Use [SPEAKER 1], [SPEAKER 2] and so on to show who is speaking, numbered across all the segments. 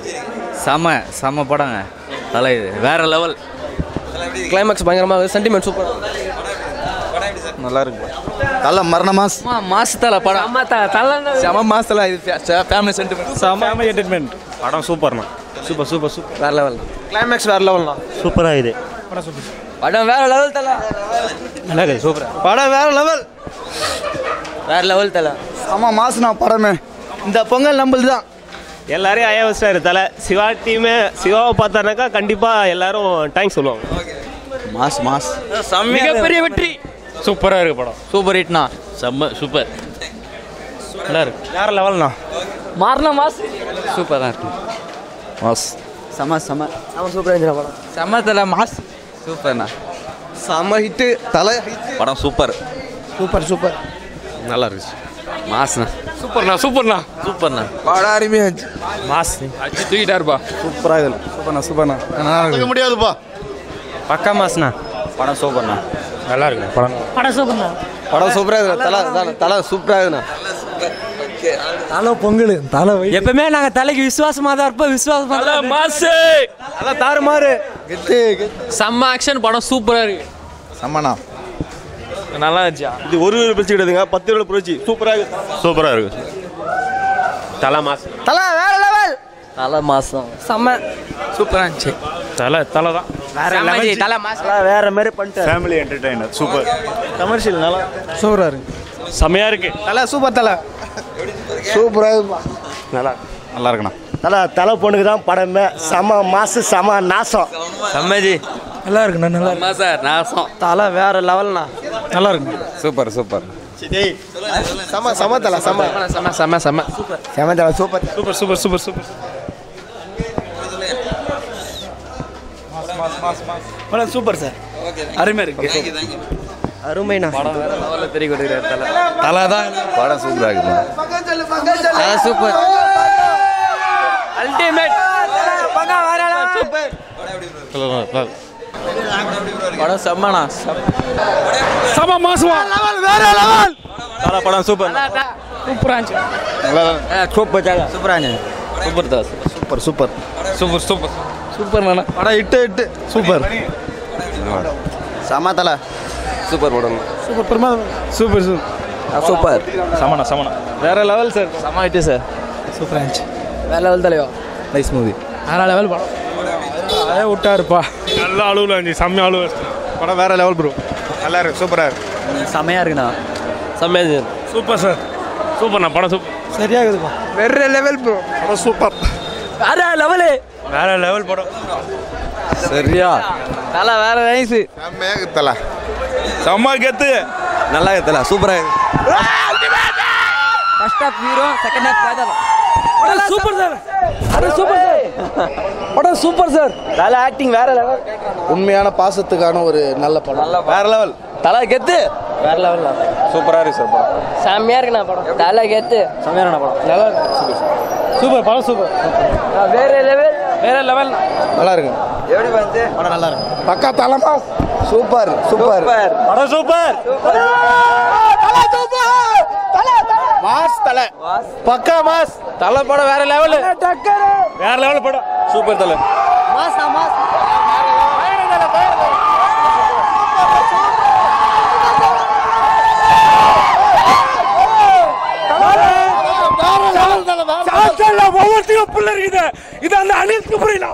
[SPEAKER 1] செம படங்க. தலை வேற லெவல்.
[SPEAKER 2] கிளைமேக்ஸ் பயங்கரமாக சென்டிமெண்ட் சூப்பர்.
[SPEAKER 3] நல்லா இருக்கு. தலை மரண
[SPEAKER 1] மாசத்துல படம்
[SPEAKER 3] செம மாசத்துல இது ஃபேமிலி சென்டிமெண்ட் ஃபேமிலி என்டர்டெயின்மெண்ட்.
[SPEAKER 4] படம் சூப்பர்ண்ணா. சூப்பர்
[SPEAKER 2] வேற லெவல். கிளைமேக்ஸ் வேற லெவல்ண்ணா.
[SPEAKER 4] சூப்பராக இது
[SPEAKER 1] படம் வேற லெவல் தலை.
[SPEAKER 4] நல்லா இருக்குது சூப்பர்.
[SPEAKER 3] படம் வேற லெவல்.
[SPEAKER 1] தலை.
[SPEAKER 3] செம மாசுண்ணா படமே. இந்த பொங்கல் நம்மளுது தான்.
[SPEAKER 4] எல்லாரையும் ஐயா வச்சிட்டாரு தலை. சிவா டீமு சிவாவை பார்த்தாருனாக்கா கண்டிப்பாக எல்லாரும் தேங்க்ஸ் சொல்லுவாங்க.
[SPEAKER 3] மாஸ்
[SPEAKER 1] மிகப்பெரிய வெற்றி.
[SPEAKER 4] சூப்பராக இருக்குது படம்.
[SPEAKER 1] சூப்பர் ஹிட்னா. சூப்பர்.
[SPEAKER 4] நல்லா இருக்கு. வேற லெவல்ண்ணா.
[SPEAKER 1] மாஸ் சூப்பர் தான் இருக்கு.
[SPEAKER 3] மாஸ்
[SPEAKER 2] செம சூப்பராக இருந்துச்சு படம்.
[SPEAKER 1] செம தலை மாஸ் சூப்பர்ண்ணா.
[SPEAKER 3] செம ஹிட்டு தலை.
[SPEAKER 1] படம் சூப்பர்.
[SPEAKER 4] நல்லா இருந்துச்சு.
[SPEAKER 1] மாஸ்ண்ணா.
[SPEAKER 4] சூப்பர்ண்ணா.
[SPEAKER 3] படம் அருமையாக இருந்துச்சு.
[SPEAKER 4] மாஸ்
[SPEAKER 1] தூக்கிட்டாருப்பா.
[SPEAKER 3] சூப்பராக சூப்பர்ண்ணா நல்லா முடியாதுப்பா.
[SPEAKER 4] பக்கா மாஸ்ண்ணா.
[SPEAKER 1] படம் சூப்பர்ண்ணா.
[SPEAKER 4] நல்லா இருக்கு படம்.
[SPEAKER 3] படம் சூப்பராக இருக்கு. தலை சூப்பராக இருக்குண்ணா.
[SPEAKER 2] தலை பொங்கல் தலை
[SPEAKER 1] எப்பவுமே நாங்க தலைக்கு விசுவாசமா தான் இருப்போம். மாசு
[SPEAKER 3] நல்லா தாறுமாறு. கெத்து
[SPEAKER 1] செம்ம ஆக்ஷன். படம் சூப்பரா இருக்கு.
[SPEAKER 3] செம்மண்ணா.
[SPEAKER 1] நல்லா இருந்துச்சா?
[SPEAKER 4] இது ஒரு பிரச்சனை கிடையாதுங்க. 10 ரூபா பிரச்சி. சூப்பராக இருக்கு. தலை மாஸ்.
[SPEAKER 3] தலை வேற லெவல்.
[SPEAKER 1] தலை மாசம்
[SPEAKER 2] செம்ம
[SPEAKER 1] சூப்பரா இருந்துச்சு.
[SPEAKER 4] தலை தான்
[SPEAKER 1] தலை மாசம்
[SPEAKER 2] வேற மாதிரி பண்ணிட்டு
[SPEAKER 4] ஃபேமிலி என்டர்டெய்னர். சூப்பர். கமர்ஷியல் நல்லா
[SPEAKER 3] சூப்பராக இருக்கு.
[SPEAKER 4] செமையாக இருக்கு.
[SPEAKER 3] தலை சூப்பர். தலை சூப்பராக
[SPEAKER 4] நல்லா இருக்குண்ணா.
[SPEAKER 5] தலை பொண்ணுக்கு தான் படமே. செம மாசு செம நாசம்.
[SPEAKER 1] செம்மஜி
[SPEAKER 2] நல்லா இருக்குண்ணா. நல்லா
[SPEAKER 1] சார் நாசம்.
[SPEAKER 2] தலை வேற லெவல்ண்ணா.
[SPEAKER 3] நல்லா இருக்கு. சூப்பர் செம தலை செம தலை சூப்பர்.
[SPEAKER 2] படம் சூப்பர் சார்.
[SPEAKER 1] அருமையா இருக்கு.
[SPEAKER 2] அருமைண்ணா.
[SPEAKER 1] படம் வேற லெவல்ல தெரிய கொடுக்குறாரு
[SPEAKER 3] தலை தான். படம் சூப்பராக இருக்கு.
[SPEAKER 1] Super ultimate. சூப்பர். படம் செம்மண்ணா.
[SPEAKER 2] செம மாசுவா.
[SPEAKER 3] வேற லெவல்.
[SPEAKER 4] தலை படம் சூப்பர்.
[SPEAKER 2] சூப்பரா இருந்துச்சு.
[SPEAKER 1] சூப்பரா
[SPEAKER 3] சூப்பர் படம் இட்டு சூப்பர். செம தலை சூப்பர் படம். சூப்பர்
[SPEAKER 4] சமணா
[SPEAKER 3] வேற லெவல் சார்.
[SPEAKER 1] செம்ம ஹிட் சார்.
[SPEAKER 2] சூப்பரா இருந்துச்சு. வேற லெவல் தலைவா.
[SPEAKER 3] Nice movie.
[SPEAKER 2] வேற லெவல் படம். அதே விட்டாருப்பா.
[SPEAKER 4] நல்ல அழுவில் இருந்துச்சு. செம்ம அழுவு.
[SPEAKER 3] படம் வேற லெவல் ப்ரோ. நல்லா இருக்கு. சூப்பராக இருக்கு.
[SPEAKER 1] செம்மையா இருக்குண்ணா.
[SPEAKER 4] செம்மையா சூப்பர் சார். சூப்பர்ண்ணா. படம் சூப்பர்.
[SPEAKER 2] சரியா இருக்குதுப்பா.
[SPEAKER 3] வேற லெவல் ப்ரோ. படம் சூப்பர்.
[SPEAKER 4] வேற லெவல் படம்.
[SPEAKER 3] சரியா
[SPEAKER 1] தலை வேற நைஸ்.
[SPEAKER 3] செம்மையாக தலை.
[SPEAKER 4] செம்ம கெத்து.
[SPEAKER 3] நல்லா தலை சூப்பராக இருக்கு.
[SPEAKER 1] First half hero, second half காதல்.
[SPEAKER 2] Super sir. படம் சூப்பர் சார்.
[SPEAKER 1] தலை ஆக்டிங் வேற லெவல்.
[SPEAKER 3] உண்மையான பாசத்துக்கான ஒரு நல்ல படம். வேற லெவல்.
[SPEAKER 1] தலை கெத்து.
[SPEAKER 2] வேற லெவல்.
[SPEAKER 3] சூப்பராக இருக்கு சார் படம்.
[SPEAKER 2] செம்மையா இருக்குண்ணா படம். தலை கெத்து. செம்மையான படம். நல்லா இருக்கு. சூப்பர் படம் சூப்பர்.
[SPEAKER 1] வேற லெவல்.
[SPEAKER 3] நல்லா இருக்கு.
[SPEAKER 1] எப்படி வந்து
[SPEAKER 3] படம் நல்லா இருக்கு. பக்கா தலமா. சூப்பர்.
[SPEAKER 4] படம் சூப்பர்.
[SPEAKER 3] மாஸ் தலை.
[SPEAKER 4] பக்கா மாஸ்.
[SPEAKER 3] தலை படம் வேற லெவல்.
[SPEAKER 4] வேற லெவல் படம்.
[SPEAKER 3] சூப்பர் தலை.
[SPEAKER 4] ஒவ்வொருத்தையும் புள்ள இருக்குது. இது அந்த அனில் குமார்.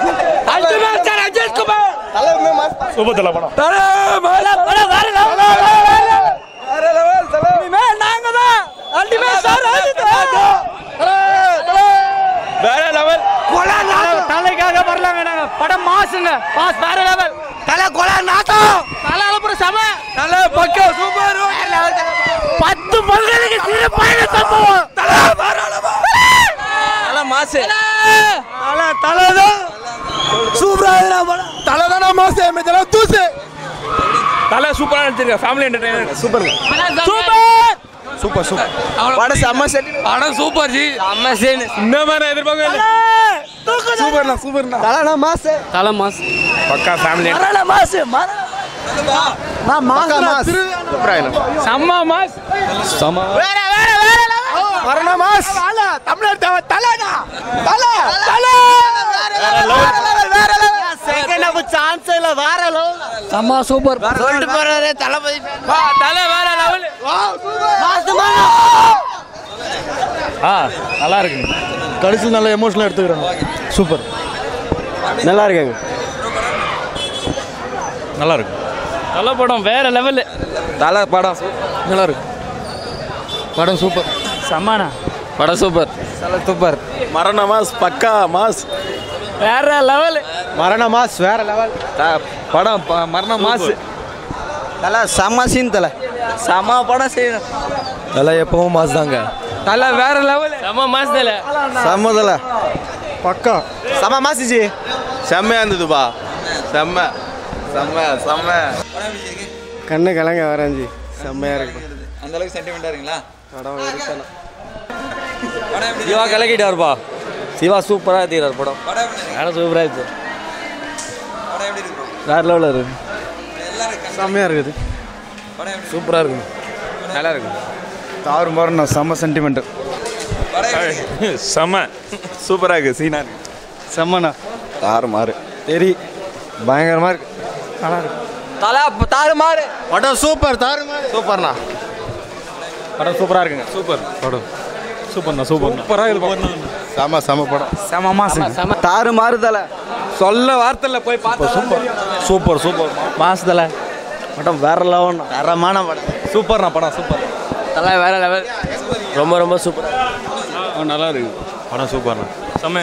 [SPEAKER 4] சூப்பர் தலை படம்.
[SPEAKER 3] வேற லெவல்.
[SPEAKER 2] தலைக்காக வரலாங்க நாங்க. படம் மாசுங்க. மாஸ் வேற லெவல்.
[SPEAKER 3] தலை கொலை நாட்டம்.
[SPEAKER 2] தலை அப்புறம் செம.
[SPEAKER 3] தலை பக்கா சூப்பர்.
[SPEAKER 2] 10 பொங்கலுக்கு சிறப்பான சம்பவம்.
[SPEAKER 3] தலை வேற லெவல்.
[SPEAKER 1] தலை மாசு.
[SPEAKER 3] தலை தான் சூப்பரா இருக்கு. தலை தான மாசு. தலை தூசு.
[SPEAKER 4] தலை சூப்பரா நடிச்சிருக்க. Family entertainer.
[SPEAKER 3] சூப்பர். படம் செம்ம செட்.
[SPEAKER 1] படம் சூப்பர் ஜி. செம்ம சீன்.
[SPEAKER 4] இந்த மாதிரி எதிர்பார்க்கல.
[SPEAKER 3] சூப்பர்ண்ணா. தலைனா மாசு.
[SPEAKER 1] தலை மாசு.
[SPEAKER 4] பக்கா ஃபேமிலி.
[SPEAKER 2] மாசு.
[SPEAKER 3] நான் மாஸ். சூப்பரா இருக்கு.
[SPEAKER 2] செம்ம மாஸ்.
[SPEAKER 3] வேற லெவல். மரண மாஸ். தமிழ்நாடு தலைனா. தலை
[SPEAKER 2] வேற லெவல் செம்ம சூப்பர் சொல்லிட்டு போறாரு தளபதி
[SPEAKER 1] தலை வேற லெவல்.
[SPEAKER 3] நல்லா இருக்குங்க. கடைசியில் நல்ல எமோஷனலாக எடுத்துக்கிறாங்க. சூப்பர். நல்லா இருக்காங்க. நல்லா இருக்கு.
[SPEAKER 1] தலை படம் வேற லெவல்.
[SPEAKER 3] தலை படம் நல்லா இருக்கு. படம் சூப்பர்.
[SPEAKER 1] சம்மானா
[SPEAKER 2] படம் சூப்பர்
[SPEAKER 3] சூப்பர். மரண மாஸ் பக்கா மாஸ்.
[SPEAKER 1] வேற லெவல்.
[SPEAKER 3] மரண மாஸ் வேற லெவல். படம் மரண மாஸ்.
[SPEAKER 2] தலை செம்ம சீன் தலை செம்ம படம் செய்யணும்.
[SPEAKER 3] தலை எப்பவும் மாஸ் தாங்க.
[SPEAKER 1] தலை வேற லெவல். செம்ம மாஸ் தலை.
[SPEAKER 3] செம்ம தலை பக்கா செம்ம மாஸ் ஜி. செம்மையா இருந்ததுப்பா. செம்ம செம்ம செம்ம. கண்ணு கலங்க வரஞ்சி. செம்மையா இருக்கு.
[SPEAKER 6] அந்த அளவுக்கு சென்டிமெண்டா இருக்கீங்களா?
[SPEAKER 3] படம் இருக்கல.
[SPEAKER 2] சிவா கலக்கிட்டாருப்பா. சிவா சூப்பராக எடுத்துக்கிறார் படம். வேற சூப்பராக இருக்கு. வேற லெவலில் இருக்கு.
[SPEAKER 3] செம்மையா இருக்குது.
[SPEAKER 2] சூப்பராக இருக்கு. நல்லா இருக்கு.
[SPEAKER 3] தாறு மாறுண்ணா. செம்ம சென்டிமெண்ட். செம்ம சூப்பராக இருக்குது. சீனா இருக்கு. செம்மண்ணா. தாறு மாறு தெரி பயங்கரமாக இருக்கு. நல்லா இருக்கு.
[SPEAKER 2] தலை தாறு மாறு.
[SPEAKER 3] படம் சூப்பர். தாறு மாறு சூப்பர்ண்ணா. படம் சூப்பராக இருக்குங்க. சூப்பர் படம். சூப்பர்ண்ணா. சூப்பராக இது. செம செம படம்.
[SPEAKER 2] செம மாசம்
[SPEAKER 3] தாறு மாறு தலை. சொல்ல வார்த்தையில் போய் பார்த்து. சூப்பர் சூப்பர் சூப்பர்
[SPEAKER 2] மாசு தலை
[SPEAKER 3] படம் வேற லெவல். தரமான படம். சூப்பர்ண்ணா. படம் சூப்பர்.
[SPEAKER 2] தலை வேற லெவல். ரொம்ப ரொம்ப சூப்பர்.
[SPEAKER 3] நல்லா இருக்கு. படம் சூப்பர்ண்ணா. செம்ம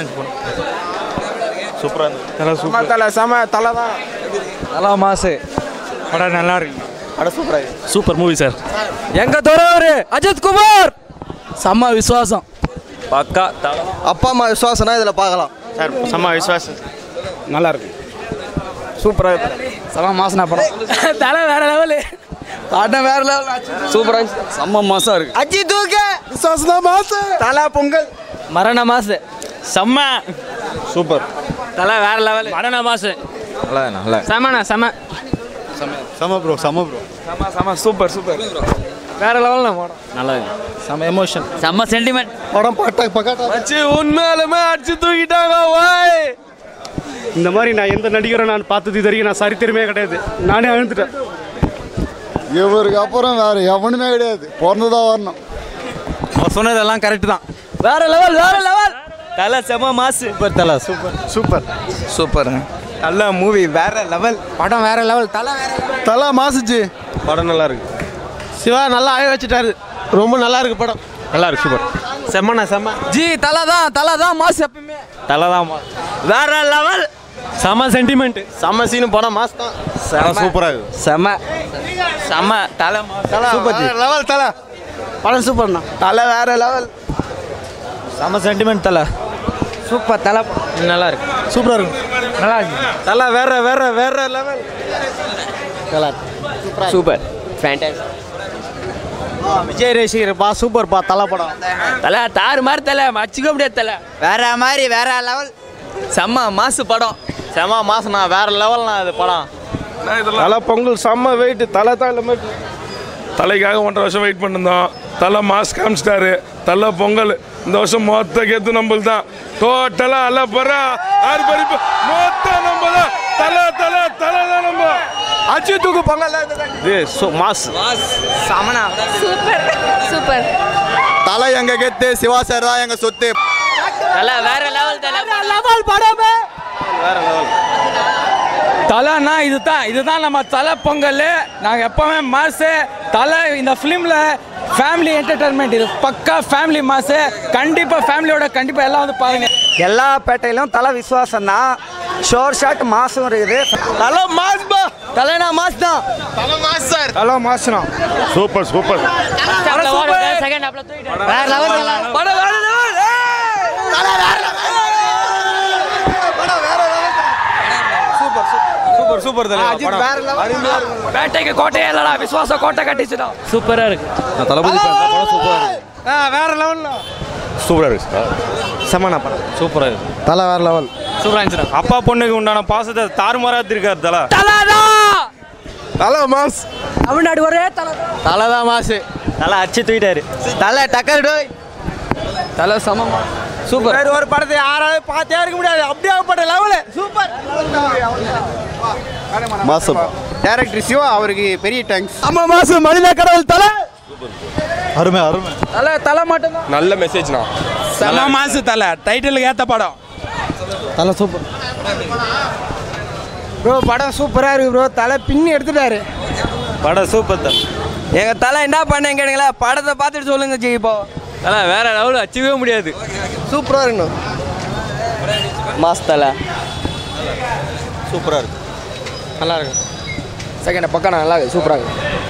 [SPEAKER 3] சூப்பராக இருக்கு. தலை சூப்பர். தலை செம தலை தான்.
[SPEAKER 2] நல்லா மாசு.
[SPEAKER 3] படம் நல்லா இருக்கு. படம் சூப்பராக இருக்கு.
[SPEAKER 2] Super movie sir. எங்க தோறவரு அஜித் குமார் செம்ம விசுவாசம்.
[SPEAKER 3] பக்கா தலை. அப்பா அம்மா விசுவாசனா இதில் பார்க்கலாம் சார். செம்ம விசுவாசம். நல்லா இருக்கு. சூப்பராக இருக்கு.
[SPEAKER 2] செம்ம மாசனா படம்.
[SPEAKER 1] தலை வேற லெவல்.
[SPEAKER 2] படம் வேற லெவல். சூப்பரா செம்ம மாசம் இருக்கு.
[SPEAKER 3] அஜித் தூக்க விசுவாசம் தான் மாசு. தலை பொங்கல்.
[SPEAKER 1] மரண மாசு. செம்ம
[SPEAKER 3] சூப்பர்.
[SPEAKER 1] தலை வேற லெவல். மரண மாசு.
[SPEAKER 3] நல்லா நல்லா
[SPEAKER 1] செம்மண்ணா செம்ம.
[SPEAKER 3] செம ப்ரோ. செம ப்ரோ. செம செம சூப்பர் சூப்பர்.
[SPEAKER 1] வேற லெவல்ல படம்.
[SPEAKER 2] நல்லா இருக்கு.
[SPEAKER 3] செம எமோஷன்.
[SPEAKER 2] செம்ம சென்டிமெண்ட்.
[SPEAKER 3] படம் பக்காட்டா
[SPEAKER 1] அச்சி உண்மையாலுமே அடிச்சு தூக்கிட்டாங்க. வாய்
[SPEAKER 7] இந்த மாதிரி நான் எந்த நடிகரை நான் பார்த்தது இது வரைக்கும் நான் சரித்திரமே கிடையாது. நானே அழுந்துட்டேன்.
[SPEAKER 8] இவருக்கு அப்புறம் வேற எவனுமே கிடையாது. பிறந்துதான் வரணும்.
[SPEAKER 3] சொன்னதெல்லாம் கரெக்ட் தான்.
[SPEAKER 2] வேற லெவல் வேற லெவல்.
[SPEAKER 1] தலை செம்ம மாசு.
[SPEAKER 3] சூப்பர் தலை. Super super super. நல்ல மூவி. வேற லெவல்.
[SPEAKER 2] படம் வேற லெவல். தலை வேற லெவல்.
[SPEAKER 3] தலை மாசுச்சு. படம் நல்லா இருக்கு. சிவா நல்லா ஆய வச்சுட்டாரு. ரொம்ப நல்லா இருக்கு படம். நல்லா இருக்கு. சூப்பர். செம்மண்ணா செம்ம.
[SPEAKER 2] ஜி தலை தான் மாசு எப்பவுமே.
[SPEAKER 3] தலை தான்
[SPEAKER 2] வேற லெவல்.
[SPEAKER 1] செம்ம சென்டிமெண்ட்.
[SPEAKER 3] செம்ம சீனு. படம் மாஸ் தான். சூப்பராக இருக்கு.
[SPEAKER 2] செம்ம செம்ம தலை
[SPEAKER 3] சூப்பர் லெவல். தலை
[SPEAKER 2] படம் சூப்பர்ண்ணா.
[SPEAKER 3] தலை வேற லெவல். செம்ம சென்டிமெண்ட். தலை
[SPEAKER 2] சூப்பர். தலை
[SPEAKER 3] நல்லா இருக்கு. சூப்பராக இருக்கு.
[SPEAKER 2] நல்லா இருக்கு.
[SPEAKER 3] தலை வேற வேற வேற லெவல்.
[SPEAKER 2] நல்லா சூப்பர் ஃபேண்டாஸ்டிக்.
[SPEAKER 3] விஜய் ரசிகர் பா. சூப்பர் பா. தலை படம்.
[SPEAKER 1] தலை தாறு மாதிரி தலை அடிச்சுக்க முடியாது. தலை
[SPEAKER 2] வேற மாதிரி வேற லெவல். செம்ம மாசு படம்.
[SPEAKER 3] செம மாசம்ண்ணா. வேற லெவல்ண்ணா இது படம். தலை பொங்கல். செம்ம வெயிட். தலை தான் இல்லை.
[SPEAKER 9] தலைக்காக 1.5 வருஷம் வெயிட் பண்ணிருந்தோம். தலை மாஸ் காமிச்சிட்டாரு. தலை பொங்கல் இந்த வருஷம் மொத்த கெத்து நம்மள் தான். டோட்டலா அல்ல பர ஆறு பறிப்பு மொத்த நம்ம தான். தலை தலை தலை தான் நம்ம.
[SPEAKER 3] அஜித் தூக்கு பொங்கல். மாஸ்
[SPEAKER 2] சமனா
[SPEAKER 10] சூப்பர் சூப்பர்.
[SPEAKER 3] தலை எங்க கெத்து. சிவா சார் தான் எங்க சொத்து.
[SPEAKER 2] தலை வேற லெவல். தலை
[SPEAKER 1] லெவல் படமே வேற லெவல். தலைன்னா இதுதான் நம்ம தலை பொங்கல். நாங்கள் எப்பவுமே மாசு. தலை இந்த ஃபிலிமில் ஃபேமிலி என்டர்டைன்மெண்ட். இது பக்கா ஃபேமிலி மாசு. கண்டிப்பாக ஃபேமிலியோட கண்டிப்பாக எல்லாம் வந்து பாருங்க.
[SPEAKER 2] எல்லா பேட்டையிலும் தலை விசுவாசம் தான். ஷோர் ஷாட் மாசும் இருக்குது.
[SPEAKER 3] தலை மாஸ் பா.
[SPEAKER 2] தலைனா மாஸ் தான்.
[SPEAKER 3] தலை மாஸ் சார். தலை மாஸ்னா.
[SPEAKER 9] Super super.
[SPEAKER 2] செகண்ட் ஹாப்ல தூக்கிட்டாரு. வேற லெவல்.
[SPEAKER 1] படம் வேற லெவல்.
[SPEAKER 3] தலை வேற லெவல். படம் வேற லெவல். சூப்பர் சூப்பர் சூப்பர் தலை. படம் வேற லெவல்.
[SPEAKER 1] பேட்டைக்கு கோட்டையே இல்லடா. விசுவாச கோட்டை கட்டிச்சுடா. சூப்பரா இருக்கு.
[SPEAKER 3] தளபதி படம் சூப்பரா இருக்கு. வேற லெவல்ல. சூப்பரா இருக்கு. செமனா படம். சூப்பரா இருக்கு. தலை வேற லெவல்.
[SPEAKER 1] சூப்பரா இருந்துச்சு.
[SPEAKER 3] அப்பா பொண்ணுக்கு உண்டான பாசத்தை தாறுமாறா இருக்காரு தலை. தலை மாஸ்.
[SPEAKER 1] தமிழ்நாடு ஒரே
[SPEAKER 3] தலை தான் மாசு. தலை அடிச்சு தூக்கிட்டாரு.
[SPEAKER 2] தலை டக்கர் டோய். தலை சமமா சூப்பர்.
[SPEAKER 3] ஒரு படத்தை யாராவது பார்த்தே இருக்க முடியாது. அப்படியே லெவலு சூப்பர்.
[SPEAKER 8] மாசம் டைரக்டர் சிவா அவருக்கு பெரிய தேங்க்ஸ்.
[SPEAKER 3] அம்மா மாசு மனித கடவுள் தலை
[SPEAKER 8] அருமை அருமை.
[SPEAKER 1] தலை மட்டும்தான்
[SPEAKER 9] நல்ல மெசேஜ்ண்ணா.
[SPEAKER 1] செம மாசு தலை. டைட்டிலுக்கு ஏற்ற படம்.
[SPEAKER 3] தலை சூப்பர் ப்ரோ. படம் சூப்பராக இருக்கு ப்ரோ. தலை பின்னி எடுத்துட்டாரு.
[SPEAKER 2] படம் சூப்பர் தான்.
[SPEAKER 1] எங்கள் தலை என்ன பண்ணேன் கேளுங்களா, படத்தை பார்த்துட்டு சொல்லுங்க ஜி. இப்போ
[SPEAKER 2] தலை வேற லெவலில் அச்சவே முடியாது.
[SPEAKER 3] சூப்பராக இருக்கணும்.
[SPEAKER 2] மாஸ் தலை
[SPEAKER 8] சூப்பராக இருக்கு.
[SPEAKER 3] நல்லா இருக்கு. செகண்ட் பக்கம் நல்லா இருக்கு. சூப்பராக இருக்கு.